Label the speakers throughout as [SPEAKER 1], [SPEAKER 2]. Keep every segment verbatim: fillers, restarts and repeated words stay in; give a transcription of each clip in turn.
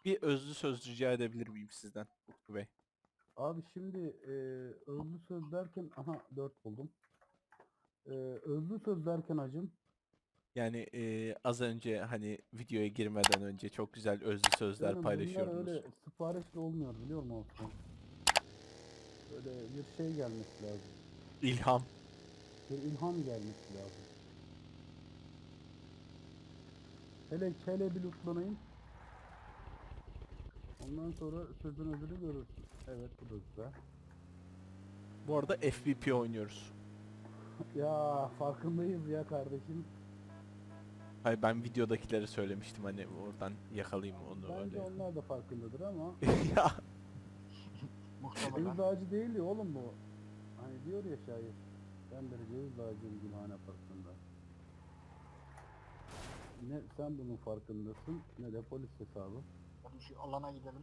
[SPEAKER 1] Bir özlü söz rica edebilir miyim sizden Utku Bey?
[SPEAKER 2] Abi şimdi e, özlü söz derken aha dört buldum. E, özlü söz derken hacım
[SPEAKER 1] Yani e, az önce hani videoya girmeden önce çok güzel özlü sözler
[SPEAKER 2] canım bunlar
[SPEAKER 1] paylaşıyordunuz.
[SPEAKER 2] öyle siparişle olmuyor biliyor musun Osman? Böyle bir şey gelmesi lazım.
[SPEAKER 1] İlham.
[SPEAKER 2] Bir ilham gelmesi lazım. Hele hele bir lootlanayım. Ondan sonra sözün özünü görürsün. Evet bu da güzel.
[SPEAKER 1] Bu arada F V P oynuyoruz.
[SPEAKER 2] Ya farkındayız ya kardeşim.
[SPEAKER 1] Hayır, ben videodakileri söylemiştim, hani oradan yakalayayım onu
[SPEAKER 2] Bence
[SPEAKER 1] öyle.
[SPEAKER 2] onlar da farkındadır ama
[SPEAKER 1] Ya
[SPEAKER 3] Muhtemelen.
[SPEAKER 2] ceviz ağacı değil ya oğlum bu. Hani diyor ya şair. Ben bir ceviz ağacıyım gülhane parkında. Ne sen bunun farkındasın ne de polis hesabı.
[SPEAKER 3] Hadi şu alana gidelim.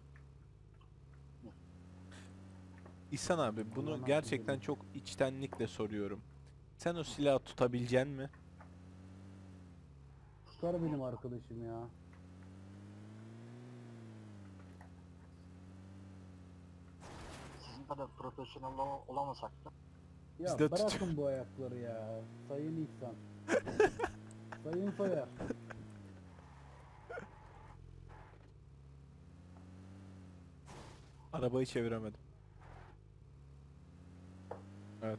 [SPEAKER 1] İhsan abi, bunu
[SPEAKER 2] Allah'ın
[SPEAKER 1] gerçekten
[SPEAKER 2] affı
[SPEAKER 1] çok içtenlikle soruyorum. Sen o silahı tutabilecek mi?
[SPEAKER 2] tutar benim arkadaşım ya.
[SPEAKER 3] Sizin kadar profesyonel ola- olamasak da.
[SPEAKER 2] Ya
[SPEAKER 1] Biz de tut-
[SPEAKER 2] bırakın bu ayakları ya. Sayın İhsan. Sayın Soyer.
[SPEAKER 1] Arabayı çeviremedim. Evet.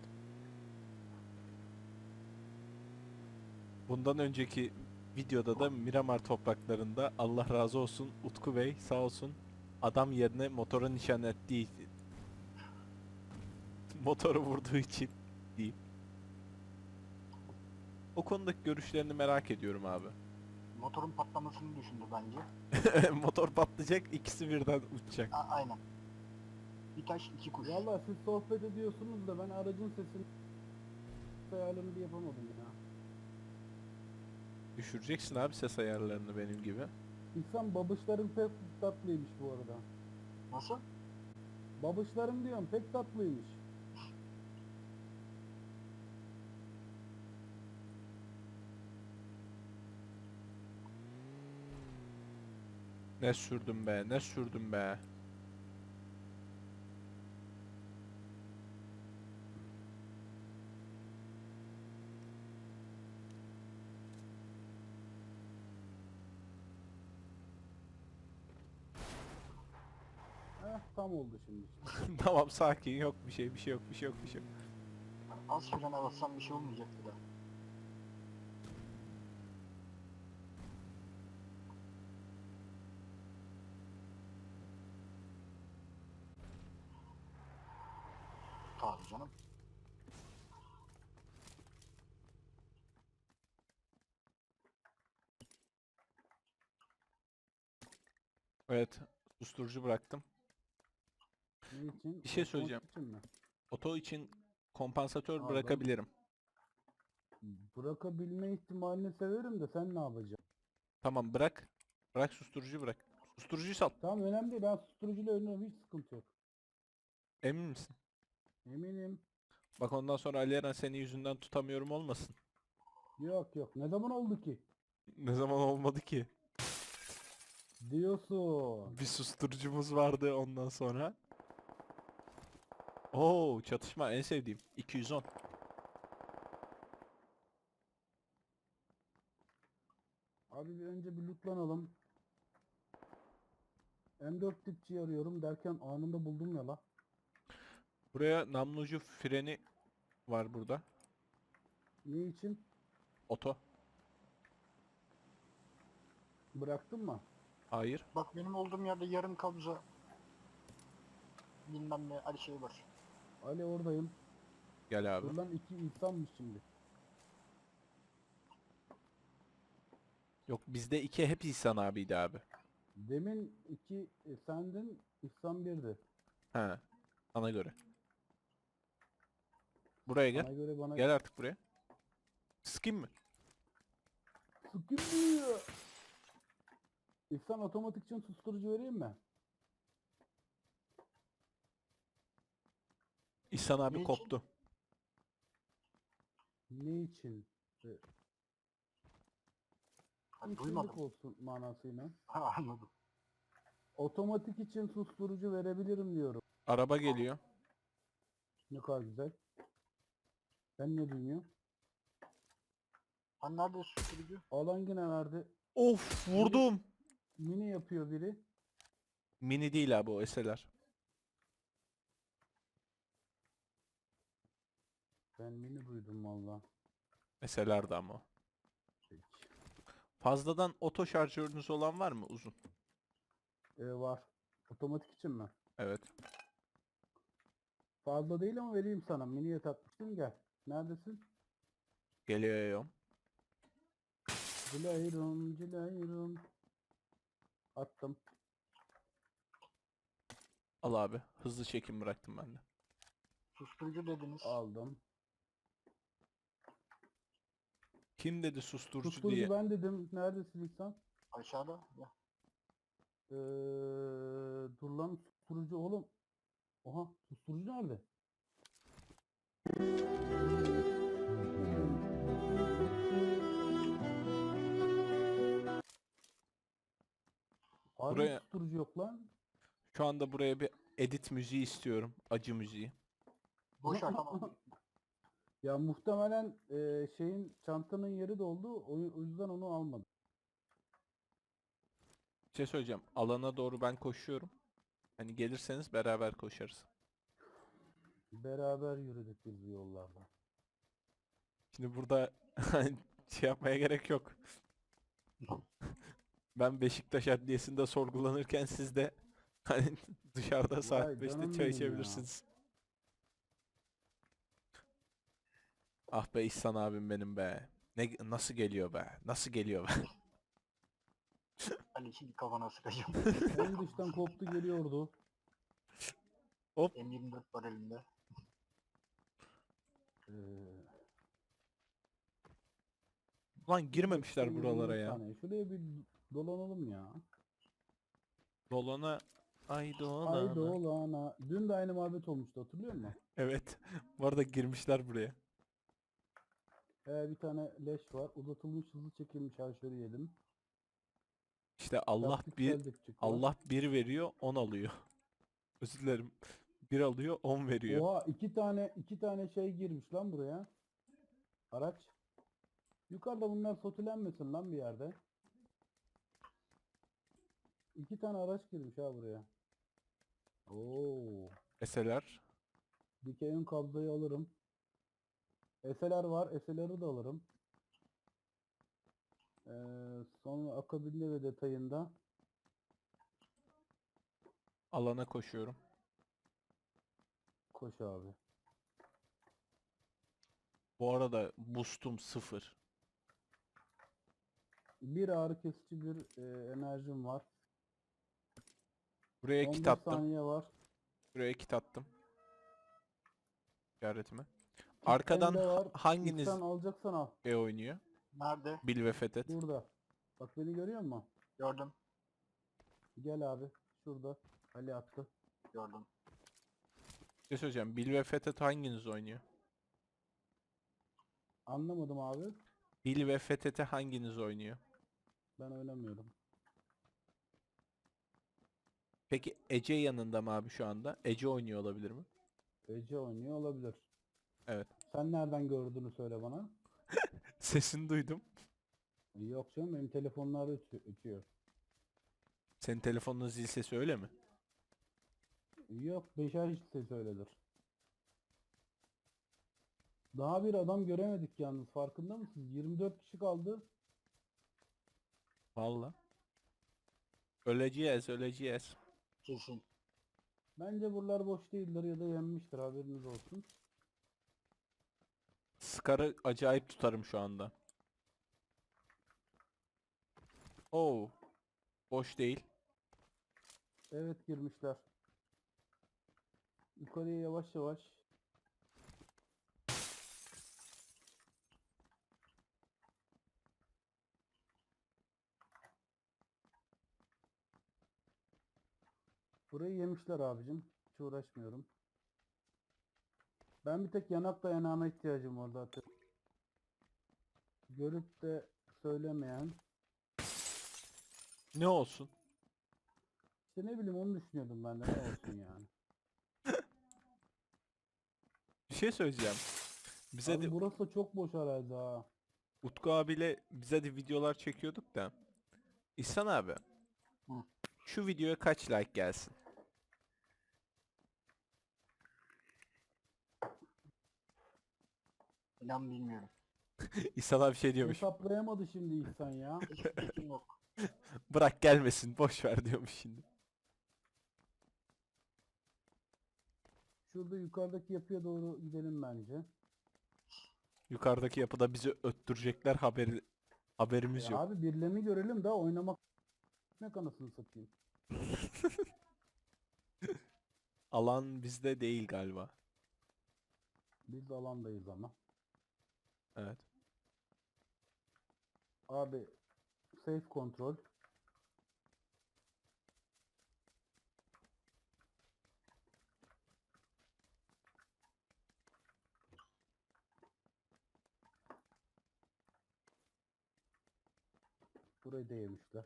[SPEAKER 1] Bundan önceki videoda da Miramar topraklarında, Allah razı olsun Utku Bey sağ olsun, adam yerine motora nişan ettiği motoru vurduğu için diyeyim. O konudaki görüşlerini merak ediyorum abi.
[SPEAKER 3] Motorun patlamasını düşündü bence.
[SPEAKER 1] Motor patlayacak, ikisi birden uçacak.
[SPEAKER 3] A- aynen. Bir taş iki kuş.
[SPEAKER 2] Valla siz sohbet ediyorsunuz da ben aracın sesini ayarlarını bir yapamadım ya.
[SPEAKER 1] Düşüreceksin abi ses ayarlarını benim gibi.
[SPEAKER 2] İhsan babışların pek tatlıymış bu arada.
[SPEAKER 3] Nasıl?
[SPEAKER 2] Babışların diyorum pek tatlıymış.
[SPEAKER 1] Ne sürdüm be, ne sürdüm be.
[SPEAKER 2] Heh tam oldu şimdi işte.
[SPEAKER 1] Tamam, sakin, yok bir şey, bir şey yok, bir şey yok, bir şey yok.
[SPEAKER 3] Az frene bassam bir şey olmayacaktı da. Tabii canım.
[SPEAKER 1] Evet, susturucu bıraktım.
[SPEAKER 2] Ne için?
[SPEAKER 1] Bir şey
[SPEAKER 2] Otomatik
[SPEAKER 1] söyleyeceğim.
[SPEAKER 2] için mi?
[SPEAKER 1] Oto için kompansatör
[SPEAKER 2] Aa, ben
[SPEAKER 1] bırakabilirim.
[SPEAKER 2] bırakabilme ihtimalini severim de sen ne yapacaksın?
[SPEAKER 1] Tamam, bırak. Bırak, susturucu bırak. Susturucuyu sal.
[SPEAKER 2] Tamam önemli değil ben susturucuyla oynuyorum hiç sıkıntı yok.
[SPEAKER 1] Emin misin?
[SPEAKER 2] Eminim.
[SPEAKER 1] Bak, ondan sonra Ali Eren senin yüzünden tutamıyorum olmasın.
[SPEAKER 2] Yok yok ne zaman oldu ki?
[SPEAKER 1] Ne zaman olmadı ki?
[SPEAKER 2] Diyorsun.
[SPEAKER 1] Bir susturucumuz vardı ondan sonra. Oo, çatışma en sevdiğim. iki yüz on.
[SPEAKER 2] Abi bir önce bir lootlanalım. M dört tipçi arıyorum derken anında buldum ya la.
[SPEAKER 1] Buraya namlucu freni var burada.
[SPEAKER 2] Ne için?
[SPEAKER 1] Oto.
[SPEAKER 2] Bıraktın mı?
[SPEAKER 1] Hayır.
[SPEAKER 3] Bak benim olduğum yerde yarım kabza bilmem ne Ali şey var.
[SPEAKER 2] Ali oradayım.
[SPEAKER 1] Gel abi.
[SPEAKER 2] Dur lan iki insanmış şimdi.
[SPEAKER 1] Yok, bizde iki hep İhsan abiydi abi.
[SPEAKER 2] Demin iki e, sendin, İhsan birdi.
[SPEAKER 1] He. Sana göre. Buraya gel.
[SPEAKER 2] Bana göre bana
[SPEAKER 1] Gel artık buraya. Sıkayım mı?
[SPEAKER 2] sıkılmıyor. İhsan otomatik için susturucu vereyim mi?
[SPEAKER 1] İhsan abi
[SPEAKER 3] Ne için?
[SPEAKER 1] koptu.
[SPEAKER 2] Ne için? E,
[SPEAKER 3] Ha,
[SPEAKER 2] İşsizlik
[SPEAKER 3] duymadım.
[SPEAKER 2] olsun manasıyla.
[SPEAKER 3] Ha, anladım.
[SPEAKER 2] Otomatik için susturucu verebilirim diyorum.
[SPEAKER 1] Araba geliyor.
[SPEAKER 2] Ne kadar güzel. Ben ne duymuyorum?
[SPEAKER 3] Hani nerede susturucu?
[SPEAKER 2] Alan yine verdi.
[SPEAKER 1] Of vurdum.
[SPEAKER 2] Mini yapıyor biri.
[SPEAKER 1] Mini değil abi o S L R.
[SPEAKER 2] Ben mini duydum valla.
[SPEAKER 1] S L R'da ama o.
[SPEAKER 2] Peki.
[SPEAKER 1] Fazladan oto şarjörünüz olan var mı uzun?
[SPEAKER 2] Ee, var. Otomatik için mi?
[SPEAKER 1] Evet.
[SPEAKER 2] Fazla değil ama vereyim sana. Miniye takmıştım, gel. Neredesin?
[SPEAKER 1] Geliyorum.
[SPEAKER 2] Cilayrum cilayrum. Attım.
[SPEAKER 1] Al abi. Hızlı çekim bıraktım ben de.
[SPEAKER 3] Susturucu dediniz.
[SPEAKER 2] Aldım.
[SPEAKER 1] Kim dedi susturucu
[SPEAKER 2] Susturucu
[SPEAKER 1] diye?
[SPEAKER 2] ben dedim. Neredesin İhsan?
[SPEAKER 3] Aşağıda. Ya.
[SPEAKER 2] Ee, dur lan, susturucu oğlum. Oha, susturucu nerede? Harbi
[SPEAKER 1] Buraya-
[SPEAKER 2] susturucu yok lan.
[SPEAKER 1] Şu anda buraya bir edit müziği istiyorum. Acı müziği.
[SPEAKER 3] Boş ver tamam.
[SPEAKER 2] Ya muhtemelen e, şeyin çantanın yeri doldu. O, o yüzden onu almadım.
[SPEAKER 1] Bir şey söyleyeceğim. Alana doğru ben koşuyorum. Hani gelirseniz beraber koşarız.
[SPEAKER 2] Beraber yürüdük biz bu yollarda.
[SPEAKER 1] Şimdi burada şey yapmaya gerek yok. Ben Beşiktaş Adliyesi'nde sorgulanırken siz de hani dışarıda saat
[SPEAKER 2] Vay
[SPEAKER 1] beşte
[SPEAKER 2] canım
[SPEAKER 1] çay
[SPEAKER 2] benim ya.
[SPEAKER 1] içebilirsiniz. Ah be İhsan abim benim be. Ne nasıl geliyor be? Nasıl geliyor be?
[SPEAKER 3] Ali şimdi kafana sıkacağım.
[SPEAKER 2] En dıştan koptu geliyordu.
[SPEAKER 3] M yirmi dört var elimde.
[SPEAKER 2] Ee,
[SPEAKER 1] Lan girmemişler
[SPEAKER 2] dakika
[SPEAKER 1] buralara
[SPEAKER 2] yirmi
[SPEAKER 1] ya.
[SPEAKER 2] saniye. Şuraya bir dolanalım ya.
[SPEAKER 1] Dolana ay
[SPEAKER 2] Ay
[SPEAKER 1] dolana.
[SPEAKER 2] dolana. Dün de aynı muhabbet olmuştu, hatırlıyor musun?
[SPEAKER 1] Evet. Bu arada girmişler buraya.
[SPEAKER 2] Ee, bir tane leş var. Uzatılmış hızlı çekilmiş şarjörü yedim.
[SPEAKER 1] İşte Allah bir
[SPEAKER 2] Taktiksel dipçik var.
[SPEAKER 1] Allah bir veriyor, on alıyor. Özür dilerim. Bir alıyor, on veriyor.
[SPEAKER 2] Oha, iki tane iki tane şey girmiş lan buraya. Araç. Yukarıda bunlar sotilenmesin lan bir yerde. İki tane araç girmiş ha buraya. Oo.
[SPEAKER 1] S L R.
[SPEAKER 2] Dikey ön kabloyu alırım. S L R var. S L R'ı da alırım. Ee, sonra akabinde ve detayında
[SPEAKER 1] Alana koşuyorum.
[SPEAKER 2] koş abi.
[SPEAKER 1] Bu arada boost'um sıfır.
[SPEAKER 2] Bir ağrı kesici bir e, enerjim var.
[SPEAKER 1] Buraya
[SPEAKER 2] on
[SPEAKER 1] kit
[SPEAKER 2] beş
[SPEAKER 1] attım.
[SPEAKER 2] saniye var.
[SPEAKER 1] Buraya kit attım. İşaretime.
[SPEAKER 2] Kit
[SPEAKER 1] Arkadan
[SPEAKER 2] bende
[SPEAKER 1] ha-
[SPEAKER 2] var.
[SPEAKER 1] hanginiz
[SPEAKER 2] İhsan alacaksan al.
[SPEAKER 1] E oynuyor?
[SPEAKER 3] Nerede?
[SPEAKER 1] Bil ve Fethet.
[SPEAKER 2] Burada. Bak beni görüyor musun?
[SPEAKER 3] Gördüm.
[SPEAKER 2] Gel abi. Şurada. Ali attı.
[SPEAKER 3] Gördüm.
[SPEAKER 1] Bir şey söyleyeceğim. Bil ve Fethet hanginiz oynuyor?
[SPEAKER 2] Anlamadım abi.
[SPEAKER 1] Bil ve Fethet'e hanginiz oynuyor?
[SPEAKER 2] Ben oynamıyorum.
[SPEAKER 1] Peki Ece yanında mı abi şu anda? Ece oynuyor olabilir mi?
[SPEAKER 2] Ece oynuyor olabilir.
[SPEAKER 1] Evet.
[SPEAKER 2] Sen nereden gördüğünü söyle bana.
[SPEAKER 1] Sesini duydum.
[SPEAKER 2] Yok canım, benim telefonlarda ötü- ötüyor.
[SPEAKER 1] Senin telefonun zil sesi öyle mi?
[SPEAKER 2] Yok, beşer hiç ses öyledir. Daha bir adam göremedik yalnız, farkında mısınız? yirmi dört kişi kaldı.
[SPEAKER 1] Valla. Öleceğiz, öleceğiz.
[SPEAKER 3] Kesin.
[SPEAKER 2] Bence buralar boş değildir ya da yenmiştir, haberiniz olsun.
[SPEAKER 1] Scar'ı acayip tutarım şu anda. Oo. Boş değil.
[SPEAKER 2] Evet, girmişler. Yukarıya yavaş yavaş. Burayı yemişler abicim. Hiç uğraşmıyorum. Ben bir tek yanak dayanağına ihtiyacım var zaten. Görüp de söylemeyen.
[SPEAKER 1] Ne olsun?
[SPEAKER 2] İşte ne bileyim onu düşünüyordum ben de ne olsun yani.
[SPEAKER 1] Bir şey söyleyeceğim. Bize
[SPEAKER 2] Abi
[SPEAKER 1] de
[SPEAKER 2] burası da çok boş arazi ha.
[SPEAKER 1] Utku abiyle bize de videolar çekiyorduk da. İhsan abi.
[SPEAKER 3] Hı.
[SPEAKER 1] Şu videoya kaç like gelsin?
[SPEAKER 3] İnan bilmiyorum.
[SPEAKER 1] İhsan abi şey diyormuş.
[SPEAKER 2] Hesaplayamadı şimdi İhsan ya.
[SPEAKER 3] Hiçbir fikrim yok.
[SPEAKER 1] Bırak gelmesin boş ver diyormuş şimdi.
[SPEAKER 2] Şurada yukarıdaki yapıya doğru gidelim bence.
[SPEAKER 1] Yukarıdaki yapıda bizi öttürecekler haberi haberimiz
[SPEAKER 2] E
[SPEAKER 1] yok.
[SPEAKER 2] abi birilerini görelim daha oynamak ne kanasını satayım.
[SPEAKER 1] Alan bizde değil galiba.
[SPEAKER 2] Biz de alandayız ama.
[SPEAKER 1] Evet.
[SPEAKER 2] Abi safe kontrol. Burayı da yemişler.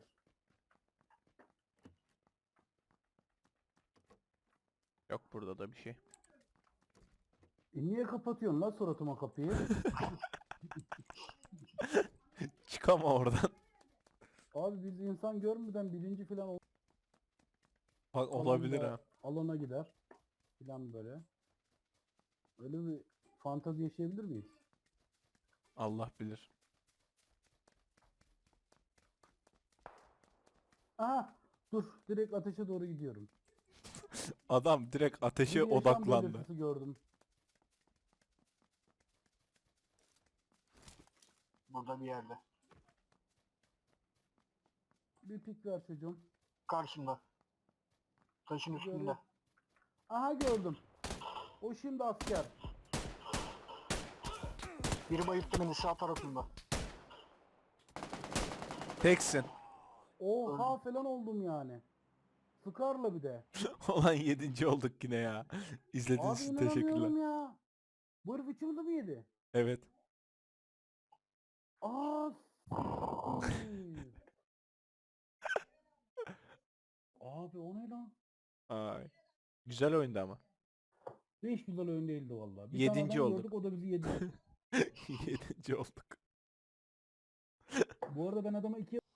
[SPEAKER 1] Yok burada da bir şey.
[SPEAKER 2] E niye kapatıyorsun lan suratıma kapıyı?
[SPEAKER 1] Çıkama oradan.
[SPEAKER 2] Abi biz insan görmeden birinci falan ol-
[SPEAKER 1] Bak olabilir
[SPEAKER 2] alanda
[SPEAKER 1] ha.
[SPEAKER 2] alana gider. Falan böyle. Öyle bir fantazi yaşayabilir miyiz?
[SPEAKER 1] Allah bilir.
[SPEAKER 2] Aha dur direkt ateşe doğru gidiyorum.
[SPEAKER 1] Adam direkt ateşe
[SPEAKER 2] Bir yaşam
[SPEAKER 1] odaklandı.
[SPEAKER 2] belirtisi gördüm.
[SPEAKER 3] Burada bir yerde.
[SPEAKER 2] Bir pik ver çocuğum.
[SPEAKER 3] Karşımda. Taşın üstünde.
[SPEAKER 2] Görüyorum. Aha gördüm. O şimdi asker.
[SPEAKER 3] Biri bayılttı beni sağ tarafında.
[SPEAKER 1] Teksin.
[SPEAKER 2] Oha falan oldum yani. Sıkarla bir de.
[SPEAKER 1] Olan yedinci olduk yine ya. İzlediğiniz
[SPEAKER 2] Abi
[SPEAKER 1] için
[SPEAKER 2] inanamıyorum
[SPEAKER 1] teşekkürler.
[SPEAKER 2] ya. Bu herif üçümüzü mü yedi?
[SPEAKER 1] Evet.
[SPEAKER 2] Aa siktir. Abi o ne lan?
[SPEAKER 1] Ay. Güzel oyundu ama.
[SPEAKER 2] Hiç güzel oyun değildi vallahi. Bir
[SPEAKER 1] Yedinci
[SPEAKER 2] tane adam
[SPEAKER 1] olduk.
[SPEAKER 2] gördük o da bizi yedi.
[SPEAKER 1] Yedinci olduk.
[SPEAKER 2] Bu arada ben adama iki